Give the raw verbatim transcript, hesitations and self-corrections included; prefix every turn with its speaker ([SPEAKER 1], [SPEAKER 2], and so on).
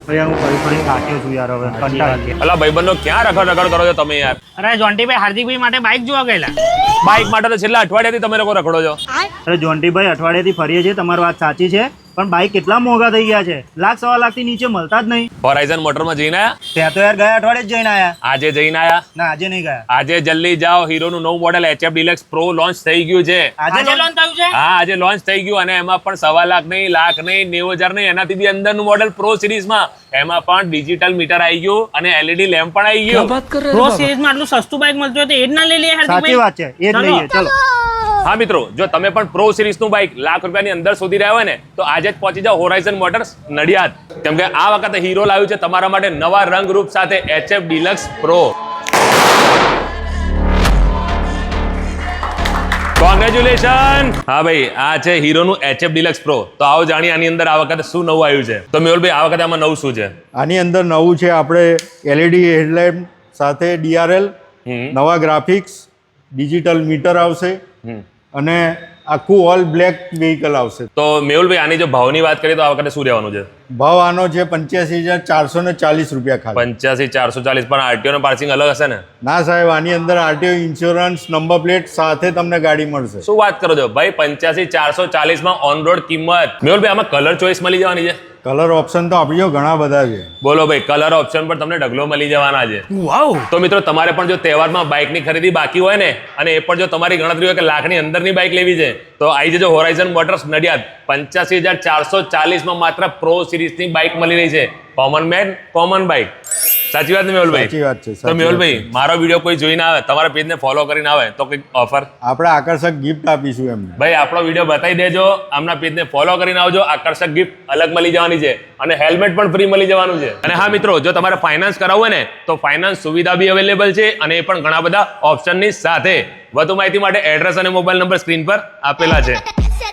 [SPEAKER 1] ભાઈ હું ફરી ફરી થાક્યો છું યાર, હવે કંટાળી
[SPEAKER 2] અલા ભાઈબંધો ક્યાં રખડ રખડ કરો છો તમે યાર?
[SPEAKER 3] અરે જોન્ટીભાઈ હાર્દિકભાઈ માટે બાઇક જોવા ગયેલા.
[SPEAKER 2] બાઇક માટે તો છેલ્લા અઠવાડિયાથી તમે લોકો રખડો છો.
[SPEAKER 1] અરે જોન્ટીભાઈ અઠવાડિયાથી ફરીએ છીએ, તમારી વાત સાચી છે, પણ બાઇક કેટલા મોંઘા થઈ ગયા છે, લાખ સવા લાખ થી નીચે મળતા જ નહીં.
[SPEAKER 2] હોરાઇઝન મોટરમાં જઈને આયા?
[SPEAKER 1] ત્યાં તો યાર ગયા અઠવાડિયે જ જઈને આયા.
[SPEAKER 2] આજે જઈને આયા?
[SPEAKER 1] ના આજે નહીં ગયા.
[SPEAKER 2] આજે જલ્દી જાઓ, હીરોનું નવું model HF deluxe pro launch થઈ ગયું છે.
[SPEAKER 3] આજે લોન્ચ થયું છે?
[SPEAKER 2] હા આજે લોન્ચ થઈ ગયું, અને એમાં પણ સવા લાખ નહીં, લાખ નહીં, નેવું હજાર નહીં, એનાથી બી અંદરનું મોડેલ પ્રો સિરીઝમાં. એમાં પણ ડિજિટલ મીટર આવી ગયું અને એલઈડી લેમ્પ પણ આવી ગયું.
[SPEAKER 3] પ્રો સિરીઝમાં આટલું સસ્તું બાઇક મળતું હોય તો એ જ ના લઈ લઈએ
[SPEAKER 1] સાચી
[SPEAKER 3] હાર્દિકભાઈ.
[SPEAKER 1] વાત છે, એ જ લઈએ. ચલો
[SPEAKER 2] હા મિત્રો, જો તમે પણ પ્રો સિરીઝનું બાઇક લાખ રૂપિયાની અંદર શોધી રહ્યા હોય ને, તો આજે જ પહોંચી જાઓ હોરાઇઝન મોટર્સ નડિયાદ, કેમ કે આ વખતે હીરો લાવ્યું છે તમારા માટે નવા રંગરૂપ સાથે એચએફ ડિલક્સ પ્રો. કોંગ્રેચ્યુલેશન. હા ભાઈ, આ છે હીરોનું એચએફ ડિલક્સ પ્રો. તો આવો જાણીએ આની અંદર આ વખતે શું નવું આવ્યું છે. તો મેહુલભાઈ, આ વખતે આમાં નવું શું છે?
[SPEAKER 4] આની અંદર નવું છે આપણે એલઈડી હેડલાઇટ સાથે ડીઆરએલ, નવા ગ્રાફિક્સ, ડિજિટલ મીટર આવશે અને આખું ઓલ બ્લેક વ્હીકલ આવશે.
[SPEAKER 2] તો મેહુલભાઈ, આની જો ભાવની વાત કરીએ તો આ વખતે શું રહેવાનું છે?
[SPEAKER 4] ભાવ આનો છે પંચ્યાસી હજાર ચારસો ને ચાલીસ રૂપિયા ખાલી.
[SPEAKER 2] પંચ્યાસી ચારસો ચાલીસ. પણ આરટીઓ નો પાર્સિંગ અલગ હશે ને?
[SPEAKER 4] ના સાહેબ, આની અંદર આરટીઓ ઇન્સ્યોરન્સ, નંબર પ્લેટ સાથે તમને ગાડી મળશે.
[SPEAKER 2] શું વાત કરો છો ભાઈ? પંચ્યાસી ચારસો ચાલીસ માં ઓન રોડ કિંમત. મેહુલભાઈ, આમાં કલર ચોઈસ મળી જવાની છે?
[SPEAKER 4] કલર ઓપ્શન તો આપણી જોડે ઘણા બધા છે.
[SPEAKER 2] બોલો ભાઈ, કલર ઓપ્શન પર તમને ઢગલો મળી જવાના છે.
[SPEAKER 3] વાવ.
[SPEAKER 2] તો મિત્રો, તમારે પણ જો તહેવારમાં બાઇકની ખરીદી બાકી હોય ને, અને એ પણ જો તમારી ગણતરી હોય કે લાખની અંદરની બાઇક લેવી છે, તો આવી જજો હોરાઇઝન મોટર્સ નડિયાદ. પંચ્યાસી હજાર ચારસો ચાલીસ માં માત્ર પ્રો સિરીઝની બાઇક મળી રહી છે. Common man common bike. સાચી વાત ને મેહુલભાઈ?
[SPEAKER 4] સાચી વાત છે.
[SPEAKER 2] તો મેહુલભાઈ, મારો વિડીયો કોઈ જોઈને આવે, તમારા પેજને ફોલો કરીને આવે, તો કંઈક ઓફર?
[SPEAKER 4] આપણે આકર્ષક ગિફ્ટ આપીશું એમને.
[SPEAKER 2] ભાઈ, આપણો વિડીયો બતાવી દેજો, આમના પેજને ફોલો કરીને આવજો, આકર્ષક ગિફ્ટ અલગ મળી જવાની છે, અને હેલ્મેટ પણ ફ્રી મળી જવાનું છે. અને હા મિત્રો, જો તમારે ફાઇનાન્સ કરાવવું હોય ને, તો ફાઇનાન્સ સુવિધા બી અવેલેબલ છે, અને એ પણ ઘણા બધા ઓપ્શનની સાથે. વધુ માહિતી માટે એડ્રેસ અને મોબાઈલ નંબર સ્ક્રીન પર આપેલા છે.